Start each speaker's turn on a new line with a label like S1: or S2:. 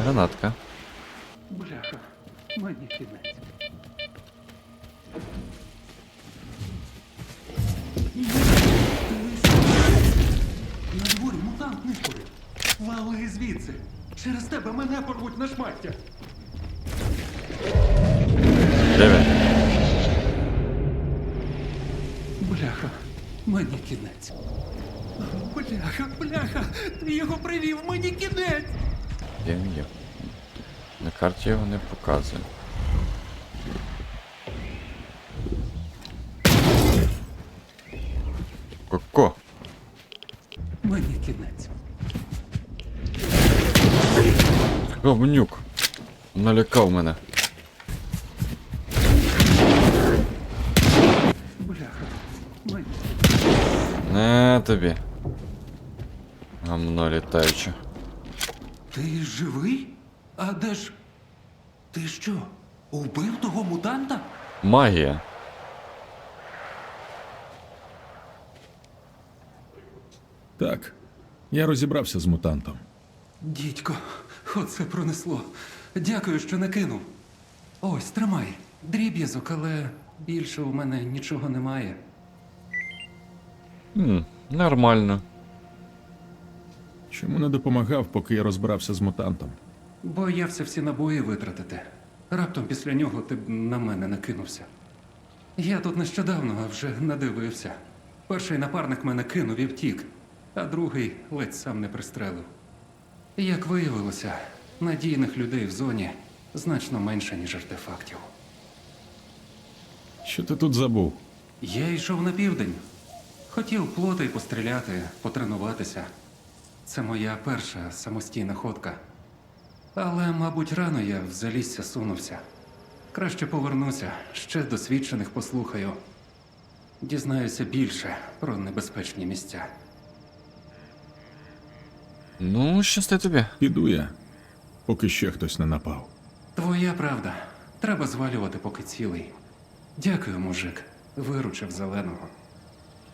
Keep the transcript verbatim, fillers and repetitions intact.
S1: Гранатка.
S2: Бляха, мені кінець. На дворі мутант нишпорив. Вали звідси. Через тебе мене порвуть на шмаття.
S1: Де він?
S2: Бляха, мені кінець. Бляха, бляха, ти його привів, мені кінець.
S1: Де він є? На карті його не показує. Коко!
S2: Мені кінець.
S1: Говнюк! Налякав мене.
S2: Бляха, мені.
S1: Не тобі. Гамно літаюче.
S2: Ти живий? А де ж... Ти що, убив того мутанта?
S1: Магія.
S3: Так, я розібрався з мутантом.
S2: Дідько, оце пронесло. Дякую, що не кинув. Ось, тримай. Дріб'язок, але більше у мене нічого немає.
S1: Хм, нормально.
S3: Чому не допомагав, поки я розбирався з мутантом?
S2: Боявся всі набої витратити. Раптом після нього ти б на мене накинувся. Я тут нещодавно, а вже надивився. Перший напарник мене кинув і втік, а другий ледь сам не пристрелив. Як виявилося, надійних людей в зоні значно менше, ніж артефактів.
S3: Що ти тут забув?
S2: Я йшов на південь. Хотів плоти постріляти, потренуватися. Це моя перша самостійна ходка. Але, мабуть, рано я в залісся сунувся. Краще повернуся, ще досвідчених послухаю. Дізнаюся більше про небезпечні місця.
S1: Ну, щасти тобі.
S3: Піду я, поки ще хтось не напав.
S2: Твоя правда. Треба звалювати, поки цілий. Дякую, мужик. Виручив зеленого.